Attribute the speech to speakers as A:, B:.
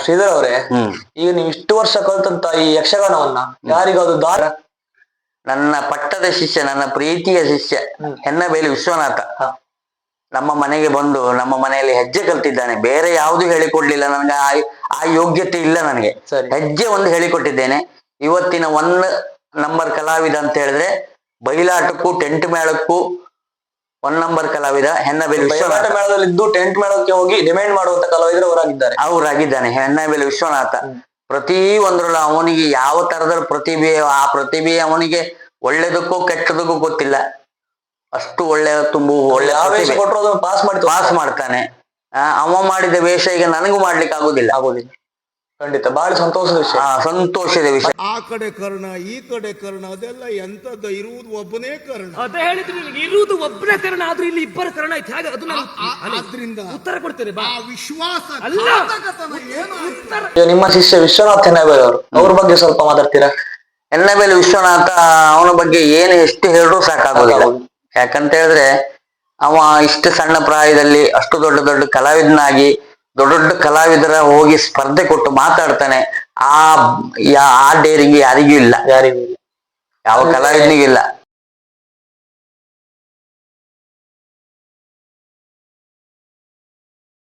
A: ಶ್ರೀಧರ್ ಅವರೇ, ಈಗ ನೀವು ಇಷ್ಟು ವರ್ಷ ಕಲ್ತಂತ ಈ ಯಕ್ಷಗಾನವನ್ನ ಯಾರಿಗಾದ್ರು ದಾರ?
B: ನನ್ನ ಪಟ್ಟದ ಶಿಷ್ಯ, ನನ್ನ ಪ್ರೀತಿಯ ಶಿಷ್ಯ ಹೆನ್ನಬೇಲಿ ವಿಶ್ವನಾಥ ನಮ್ಮ ಮನೆಗೆ ಬಂದು ನಮ್ಮ ಮನೆಯಲ್ಲಿ ಹೆಜ್ಜೆ ಕಲ್ತಿದ್ದಾನೆ. ಬೇರೆ ಯಾವುದು ಹೇಳಿಕೊಡ್ಲಿಲ್ಲ ನನಗೆ, ಆ ಯೋಗ್ಯತೆ ಇಲ್ಲ ನನಗೆ. ಹೆಜ್ಜೆ ಒಂದು ಹೇಳಿಕೊಟ್ಟಿದ್ದೇನೆ. ಇವತ್ತಿನ 1 ನಂಬರ್ ಕಲಾವಿದ ಅಂತ ಹೇಳಿದ್ರೆ ಬಯಲಾಟಕ್ಕೂ ಟೆಂಟ್ ಮೇಳಕ್ಕೂ 1 ನಂಬರ್ ಕಲಾವಿದ ಹೆನ್ನಬೇಲಿ ವಿಶ್ವನಾಥ.
A: ಮೇಳದಲ್ಲಿದ್ದು ಟೆಂಟ್ ಮೇಳಕ್ಕೆ ಹೋಗಿ ಡಿಮ್ಯಾಂಡ್ ಮಾಡುವಂತ ಕಲಾವಿದರು
B: ಅವರಾಗಿದ್ದಾನೆ ಹೆನ್ನಬೇಲಿ ವಿಶ್ವನಾಥ. ಪ್ರತಿ ಒಂದ್ರಲ್ಲೂ ಅವನಿಗೆ ಯಾವ ತರದ ಪ್ರತಿಭೆ, ಆ ಪ್ರತಿಭೆ ಅವನಿಗೆ ಒಳ್ಳೇದಕ್ಕೂ ಕೆಟ್ಟದಕ್ಕೂ ಗೊತ್ತಿಲ್ಲ. ಅಷ್ಟು ಒಳ್ಳೆ ಒಳ್ಳೆ ಪಾಸ್ ಮಾಡ್ತಾನೆ. ಅವ ಮಾಡಿದ ವೇಷ ಈಗ ನನಗೂ ಮಾಡ್ಲಿಕ್ಕೆ ಆಗುದಿಲ್ಲ.
A: ಖಂಡಿತ ಬಹಳ ಸಂತೋಷದ ವಿಷಯ.
C: ಆ ಕಡೆ ಕರ್ಣ ಈ ಕಡೆ ಕರ್ಣ ಅದೆಲ್ಲ ಎಂತದ, ಇರುವುದು ಒಬ್ಬನೇ ಕರ್ಣ.
D: ಅದೇ ಹೇಳಿದ್ರು, ಇರುವುದು ಒಬ್ಬನೇ ಕರ್ಣ, ಆದ್ರೂ ಇಲ್ಲಿ ಇಬ್ಬರ ಕರ್ಣ ಐತೆ. ಹಾಗೆ ಅದು
C: ಆದ್ರಿಂದ
D: ಉತ್ತರ ಕೊಡ್ತೇನೆ.
C: ಆ ವಿಶ್ವಾಸ
A: ನಿಮ್ಮ ಶಿಷ್ಯ ವಿಶ್ವನಾಥ್ ಹೆನ್ನಬೇಲಿ ಅವರು, ಅವ್ರ ಬಗ್ಗೆ ಸ್ವಲ್ಪ ಮಾತಾಡ್ತೀರಾ?
B: ಹೆನ್ನಬೇಲಿ ವಿಶ್ವನಾಥ, ಅವನ ಬಗ್ಗೆ ಏನು ಎಷ್ಟು ಹೇಳಿದ್ರು ಸಾಕಾಗೋದಿಲ್ಲ. ಯಾಕಂತ ಹೇಳಿದ್ರೆ ಅವ ಇಷ್ಟು ಸಣ್ಣ ಪ್ರಾಯದಲ್ಲಿ ಅಷ್ಟು ದೊಡ್ಡ ಕಲಾವಿದನಾಗಿ ದೊಡ್ಡ ಕಲಾವಿದರ ಹೋಗಿ ಸ್ಪರ್ಧೆ ಕೊಟ್ಟು ಮಾತಾಡ್ತಾನೆ. ಆ ಡೇರಿಂಗ್ ಯಾರಿಗೂ ಇಲ್ಲ, ಯಾವ ಕಲಾವಿದನಿಗೂ ಇಲ್ಲ.